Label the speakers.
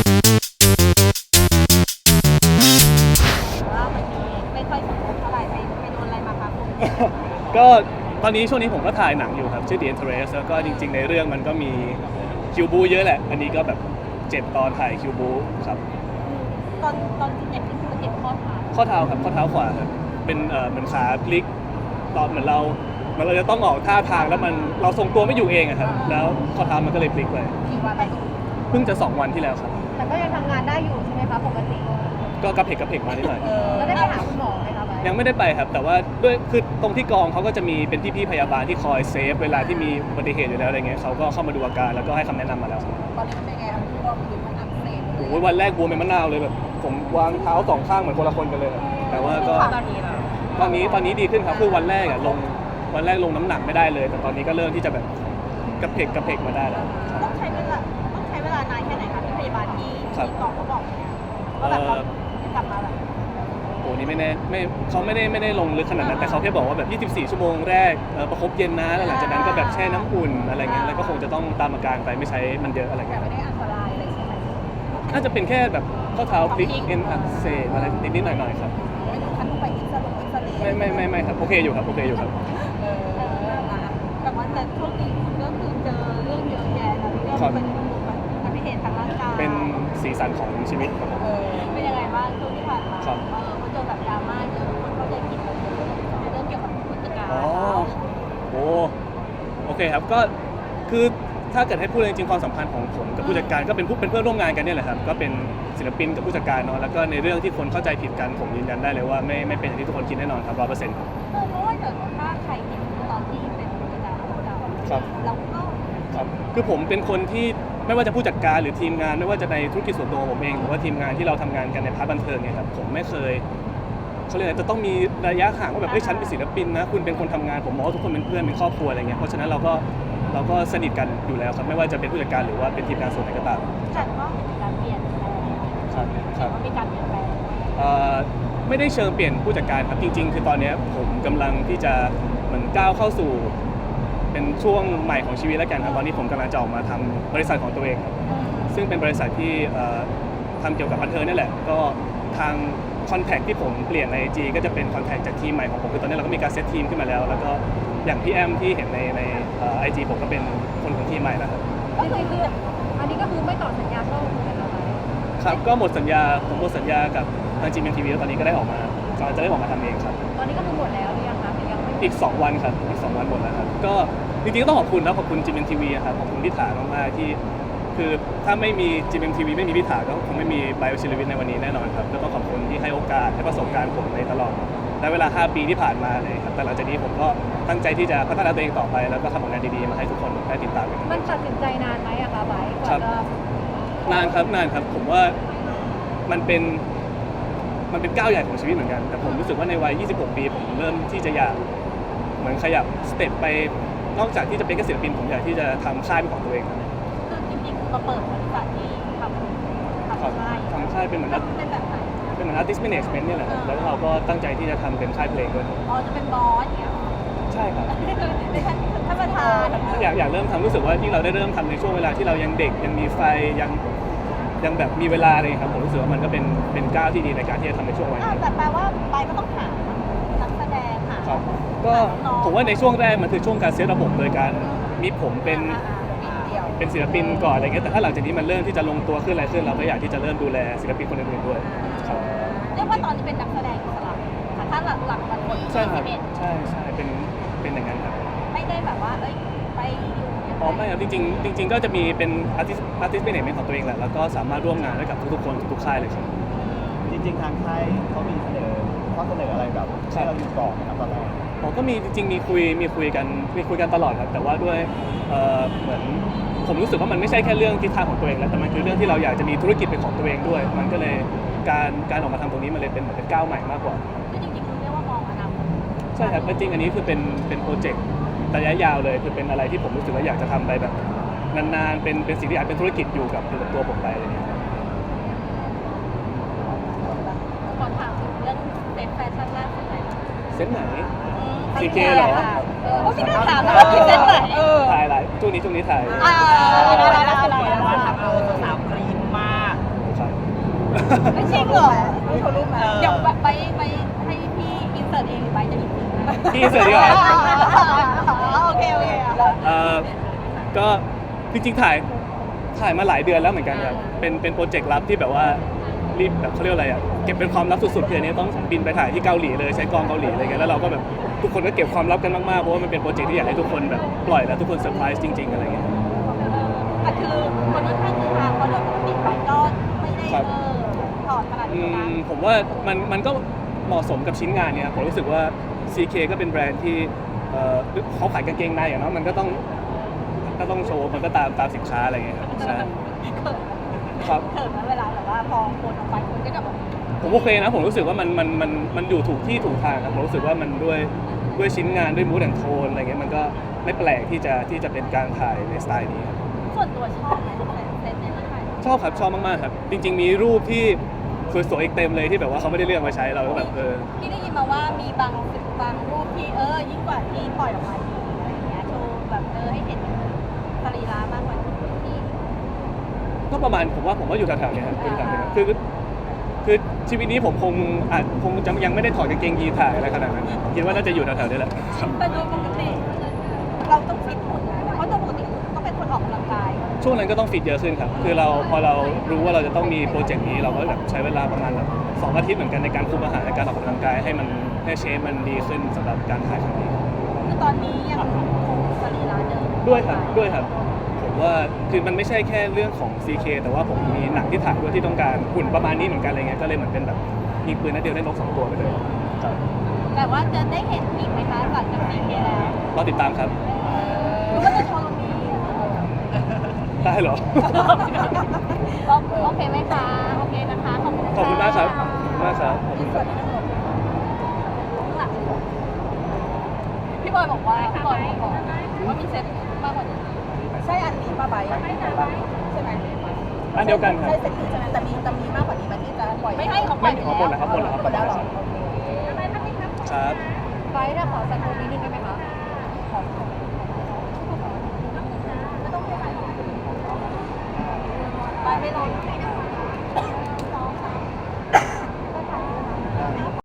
Speaker 1: ว่ามันมีไม่ค่อยสมบูรณ์เท่าไหร่ไปโดนอะไรมาคะคุณ
Speaker 2: ก็ตอนนี้ช่วงนี้ผมก็ถ่ายหนังอยู่ครับชื่อ The Interest แล้วก็จริงๆในเรื่องมันก็มีคิวบูเยอะแหละอันนี้ก็แบบ7 ตอนถ่ายคิวบูครับ
Speaker 1: ตอนที่เจ็บนี่คือเจ็บข้อเท้า
Speaker 2: ข้อเท้าครับข้อเท้าขวาครับเป็นเหมือนขาพลิกตอนเหมือนเราจะต้องออกท่าทางแล้วมันเราทรงตัวไม่อยู่เองอะครับแล้วข้อเท้ามันก็เลยพลิกไป
Speaker 1: กี่วันไป
Speaker 2: เพิ่งจะ 2 วันที่แล้วครับ
Speaker 1: แต่ก็ยังทำงานได้อยู่ใช่ไหมคะปกติ
Speaker 2: ก็กระเพกมานิดหน่อย
Speaker 1: แล้วได้ไปหาคุณหมอไหมคะ
Speaker 2: ยังไม่ได้ไปครับแต่ว่าด้วยคือตรงที่กองเขาก็จะมีเป็นพี่ๆพยาบาลที่คอยเซฟเวลาที่มีอุบัติเหตุอยู่แล้วอะไรเงี้ยเขาก็เข้ามาดูอาการแล้วก็ให้คำแนะนำมาแล้วครับ
Speaker 1: ตอนนี้มันเป็นไงครับคุณพ่อคือมันอักเสบ
Speaker 2: โอ้โหวันแรกบวมเป็นมะนาวเลยแบบผมวางเท้า2 ข้างเหมือนคนละคนกันเลยครับแต่ว่าก็
Speaker 1: ตอนนี้เหรอ
Speaker 2: ตอนนี้ดีขึ้นครับคือวันแรกลงน้ำหนักไม่ได้เลย แต่ตอนนี้ก็เริ่มที่จะแบบกระเพกมาได้แล้วครับ
Speaker 1: ต้องใช้เวลานานแค่ไหนคะที่พยาบาลที่กองเขาบอกเนี่ยว่าแบบเขากลับมาแบบ
Speaker 2: โอ้นี่ไม่แน่เขาไม่ได้ลงลึกขนาดนั้นแต่เขาแค่บอกว่าแบบ24 ชั่วโมงแรกประคบเย็นนะแล้วหลังจากนั้นก็แบบแช่น้ำอุ่นอะไรเงี้ยแล้วก็คงจะต้องตามอาการไปไม่ใช้มันเยอะอะไร
Speaker 1: แต่
Speaker 2: เงี้ย
Speaker 1: ไม่ได้อันตรายอะไรใช่ไหม
Speaker 2: น่าจะเป็นแค่แบบข้อเท้าพลิกเอ็นอักเสบอะไรนิดๆหน่อยๆครับ
Speaker 1: ไม่ถึงขั้นต้องไปอินซาเรย์
Speaker 2: ไม่ครับโอเคอยู่ครับ
Speaker 1: แบบว่าแต่ช่วงนี้คุณก็คือเจอเรื่องเยอะแยะนะเรื่องเป็นอุบัติเหตุทางร่างกาย
Speaker 2: เป็นสีสันของชีวิตครับผม
Speaker 1: เป็นยังไงบ้างช่วงที่ผ่านมา
Speaker 2: ครับ
Speaker 1: เขาเจอแบบดราม่าเยอะคนเข้าใจผิดเราเยอะในเรื่องเกี่ยวกับผู้จัดการ
Speaker 2: อ๋อโอเคครับก็คือถ้าเกิดให้พูดจริงๆความสัมพันธ์ของผมกับผู้จัดการก็เป็นเพื่อนร่วมงานกันเนี่ยแหละครับก็เป็นศิลปินกับผู้จัดการเนาะแล้วก็ในเรื่องที่คนเข้าใจผิดกันผมยืนยันได้เลยว่าไม่เป็นอย่างที่ทุกคนคิดแน่นอนครับ100%
Speaker 1: เพราะว่าเกิดถ้าใครเห็นตอนที่เป็นผู้จัดการของเรา
Speaker 2: ครับ
Speaker 1: เราก็
Speaker 2: ครับคือผมเป็นคนที่ไม่ว่าจะผู้จัดการหรือทีมงานไม่ว่าจะในธุรกิจส่วนตัวของผมเองหรือว่าทีมงานที่เราทำงานกันในพาร์ทบันเทิงเนี่ยครับผมไม่เคยเขาเรียกอะไรจะต้องมีระยะห่างว่าแบบฉันเป็นศิลปินนะคุณเป็นคนทำงานผมมองว่าทุกคนเป็นเพื่อนเป็นครอบครัวอะไรเงี้ยเพราะฉะนั้นเราก็สนิทกันอยู่แล้วครับไม่ว่าจะเป็นผู้จัดการหรือว่าเป็นทีมงานส่วนไหนก็ตาม
Speaker 1: แต่ก็เห็นมีการเปลี่ยนแปลง
Speaker 2: ครับ
Speaker 1: ว่ามีการเปลี่ยนแปลง
Speaker 2: ไม่ได้เชิงเปลี่ยนผู้จัดการครับจริงๆคือตอนนี้ผมกำลังที่จะเหมือนก้าวเข้าสู่เป็นช่วงใหม่ของชีวิตแล้วกันครับตอนนี้ผมกำลังจะออกมาทำบริษัทของตัวเองครับซึ่งเป็นบริษัทที่ทำเกี่ยวกับบันเทิงนี่แหละก็ทางคอนแทคที่ผมเปลี่ยนใน IG ก็จะเป็นคอนแทคจากทีมใหม่ของผมคือตอนนี้เราก็มีการเซตทีมขึ้นมาแล้วแล้วก็อย่างพี่แอมที่เห็นในIG ผมก็เป็นคนของทีมใหม่นะครับ
Speaker 1: ก็คืออันนี้ก็คือไม่ต่อสัญญาช่องเลยนะคะ
Speaker 2: ครับก็หมดสัญญาผมหมดสัญญากับทาง GMMTV แล้วตอนนี้ก็ได้ออกมากำลังจะได้ออกมาทำเองครับ
Speaker 1: ตอนนี้ก็คือหมดแล้วหรือยังคะหรือยังไม่
Speaker 2: อีก 2 วันครับอีก 2 วันหมดแล้วครับก็จริงๆก็ต้องขอบคุณนะขอบคุณ GMMTV ครับขอบคุณพี่ถามากๆที่คือถ้าไม่มี GMMTV ไม่มีพี่ถาก็คงไม่มีไบโอชิลวิทในวันนี้แน่นอนครับก็ต้องขอบคุณที่ให้โอกาสให้ประสบการณ์ผมในตลอดและเวลา 5 ปีที่ผ่านมาเลยครับแต่หลังจากนี้ผมก็ตั้งใจที่จะพัฒนาตัวเองต่อไปแล้วก็ทำผลงานดีๆมาให้ทุกคนได้ติดตามกัน
Speaker 1: มันตัดสินใจนานไหมอะคะไบร์ทก
Speaker 2: ครั
Speaker 1: ว่า
Speaker 2: บ
Speaker 1: จะ
Speaker 2: นานครับผมว่ามันเป็นก้าวใหญ่ของชีวิตเหมือนกันแต่ผมรู้สึกว่าในวัย 26 ปีผมเริ่มที่จะอยากเหมือนขยับสเต็ปไปนอกจากที่จะเป็นแค่ศิลปินผมอยากที่จะทำค่ายเป็นของตัวเองครับ
Speaker 1: คือจริงๆคือมาเปิดบริษัทที่ทำค่าย
Speaker 2: ทำค่ายเป็นเหมือน
Speaker 1: เป็นแบบไหน
Speaker 2: artist management เนี่ยแหละครับแล้วเราก็ตั้งใจที่จะทำเป็นค่ายเพลงด้วยครับ
Speaker 1: อ๋อจะเป็นบอสอย่างเงี้ย
Speaker 2: ใช่ครับ
Speaker 1: ในท่านประธาน
Speaker 2: อยากเริ่มทำรู้สึกว่าที่เราได้เริ่มทำในช่วงเวลาที่เรายังเด็กยังมีไฟยังแบบมีเวลาเลยครับผมรู้สึกว่ามันก็เป็นก้าวที่ดีในการที่จะทำในช่วงวัยนี้
Speaker 1: แต่แปลว่าไบร์ทก็ต้องหานักแสดงหา
Speaker 2: ครับก็ผมว่าในช่วงแรกมันคือช่วงการเซตระบบโดยการมีผมเป็นศิลปินก่อนอะไรเงี้ยแต่ถ้าหลังจากนี้มันเริ่มที่จะลงตัวขึ้นอะไรขึ้นเราก็อยากที่จะเริ่มดูแลศิลปินคนอื่นๆด้วยครับ
Speaker 1: เรียกว่าตอนนี้เป็นนักแสดงอิสระค่ะถ้าหลักมันหมด
Speaker 2: ใช่ครับ
Speaker 1: 21
Speaker 2: ใช่เป็นอย่างนั้นครับ
Speaker 1: ไม่ได้แบบว่าเอ้ยไปอยู่
Speaker 2: อ๋อไม่ครับจริงก็จะมีเป็นartist management ของตัวเองแหละแล้วก็สามารถร่วมงานได้กับทุกๆคนทุกๆค่ายเลยครับ
Speaker 3: จริงๆทางค่ายเขามีข้อเสนออะไรแบบให้เราอยู่ก่อนนะครับตอนแรก
Speaker 2: อ๋อก็มีจริงๆมีคุยกันตลอดครับแต่ว่าด้วยเหมือนผมรู้สึกว่ามันไม่ใช่แค่เรื่องทิศทางของตัวเองแล้วแต่มันคือเรื่องที่เราอยากจะมีธุรกิจเป็นของตัวเองด้วย มันก็เลยการออกมาทำตรงนี้มันเลยเป็นเหมือนเป็นก้าวใหม่มากกว่า
Speaker 1: คือจริงๆคือเรียกว่ามองอนาคต
Speaker 2: ใช่ครับจริงๆอันนี้คือเป็นโปรเจกต์ระยะยาวเลยคือเป็นอะไรที่ผมรู้สึกว่าอยากจะทำไปแบบนานๆเป็นสิ่งที่อาจเป็นธุรกิจอยู่กับตัวผมไปอะไรอย่างเงี้ย
Speaker 1: ขอถามถึงเรื่องเซ็ตแฟชั่นล่าสุดหน่อยนะ
Speaker 2: เซ็ตไหน
Speaker 1: CK
Speaker 2: CK เหรอ
Speaker 1: โอ้พี่น่าถามนะว่าเซ็ตไหน
Speaker 2: ถ่ายอะไรช่วงนี้ถ่าย
Speaker 1: ได้
Speaker 3: ว่าทำเอาสาวกรี๊ดมาก
Speaker 2: อินเสิร์ตดีกว่า
Speaker 1: โอเคโอเค
Speaker 2: ก็จริงๆถ่ายมาหลายเดือนแล้วเหมือนกันครับเป็นโปรเจกต์ลับที่แบบว่ารีบแบบเขาเรียกอะไรอ่ะเก็บเป็นความลับสุดๆคืออันนี้ต้องบินไปถ่ายที่เกาหลีเลยใช้กองเกาหลีอะไรเงี้ยแล้วเราก็แบบทุกคนก็เก็บความลับกันมากๆเพราะว่ามันเป็นโปรเจกต์ที่อยากให้ทุกคนแบบปล่อยแล้วทุกคนเซอร์ไพรส์จริงๆอะไรเงี้ย
Speaker 1: แต่คือคนค่อนข้างคือทางเพราะโดยปกติไปก็ไม่ได้ถอดขนาดนี้นะ
Speaker 2: ผมว่ามันก็เหมาะสมกับชิ้นงานเนี่ยผมรู้สึกว่า CK ก็เป็นแบรนด์ที่เขาขายกางเกงในอะเนาะมันก็ต้องโชว์มันก็ตามสินค้าอะไรเงี้ยครับใช่ครับ
Speaker 1: เขินนะเวลาแบบว่าพอคนออกไปคนก็จะแบบ
Speaker 2: ผมโอเคนะผมรู้สึกว่ามันอยู่ถูกที่ถูกทางครับผมรู้สึกว่ามันด้วยชิ้นงานด้วยมูดแอนโทนอะไรเงี้ยมันก็ไม่แปลกที่จะเป็นการถ่ายในสไตล์นี้ครับ
Speaker 1: ส่วนตัวชอบไหมเซตเนี่ยถ่าย
Speaker 2: ชอบครับชอบมากๆครับจริงๆมีรูปที่สวยๆอีกเต็มเลยที่แบบว่าเขาไม่ได้เลือกมาใช้เราก็แบบ
Speaker 1: พี่ได้ยินมาว่ามีบางรูปที่ยิ่งกว่าที่ปล่อยออกมาอีกอะไรอย่างเงี้ยโชว์แบบให้เห็นสรีระมากกว่าที่
Speaker 2: ก็ประมาณผมว่าอยู่แถวๆเนี้ครับอยู่แถวๆเนี้ครับคือชีวิตนี้ผมคงจะยังไม่ได้ถอดกางเกงยีนถ่ายอะไรขนาดนั้นคิดว่าน่าจะอยู่แถวๆนี้แหละ
Speaker 1: แต่โดยปกติเราต้องฟิตหุ่นนะเพราะโดยปกติต้องเป็นคนออกกำลังกาย
Speaker 2: ช่วงนั้นก็ต้องฟิตเยอะขึ้นครับคือพอเรารู้ว่าเราจะต้องมีโปรเจกต์นี้เราก็แบบใช้เวลาประมาณแบบ2 อาทิตย์เหมือนกันในการคุมอาหารในการออกกำลังกายให้เชฟมันดีขึ้นสำหรับการถ่ายครั้งนี้
Speaker 1: คือตอนนี้ยังคงสรีระเดิม
Speaker 2: ด้วยครับผมว่าคือมันไม่ใช่แค่เรื่องของ CK แต่ว่าผมมีหนังที่ถ่ายด้วยที่ต้องการหุ่นประมาณนี้เหมือนกันอะไรเงี้ยก็เลยเหมือนเป็นแบบยิงปืนนัดเดียวได้นก2 ตัวไปเลยครับ
Speaker 1: แต่ว่าจะได้เห็นอีกไหมคะหลังจากนี้แล้ว
Speaker 2: รอติดตามครับ
Speaker 1: หรือว่าจะโชว์ตรงนี้
Speaker 2: ได้เหรอ
Speaker 1: โอเคไหมคะโอเคนะคะขอบคุณ
Speaker 2: ขอบคุณมากครับขอบคุณมากครับ
Speaker 1: พี่บอยบอกว่าว่ามีเซ็ตมากกว่านี้ใช่อันนี้ป้าใบใช่ไหม
Speaker 2: อันเดียวกันครับ
Speaker 1: ใช่เซ็ตนี้ใช่ไหมแต่มีมากกว่านี้ไหมที่จะปล่อยไม่ให้เขาปล่
Speaker 2: ไม่
Speaker 1: อย
Speaker 2: ขอหมดแล้วครับหมดแล้วครับ
Speaker 1: หมดแล้วเหรอ
Speaker 2: ครับ
Speaker 1: ไปถ้าขอสักตัวนิดนึงได้ไหมคะไม่ต้องไปไหนไปไม่รอ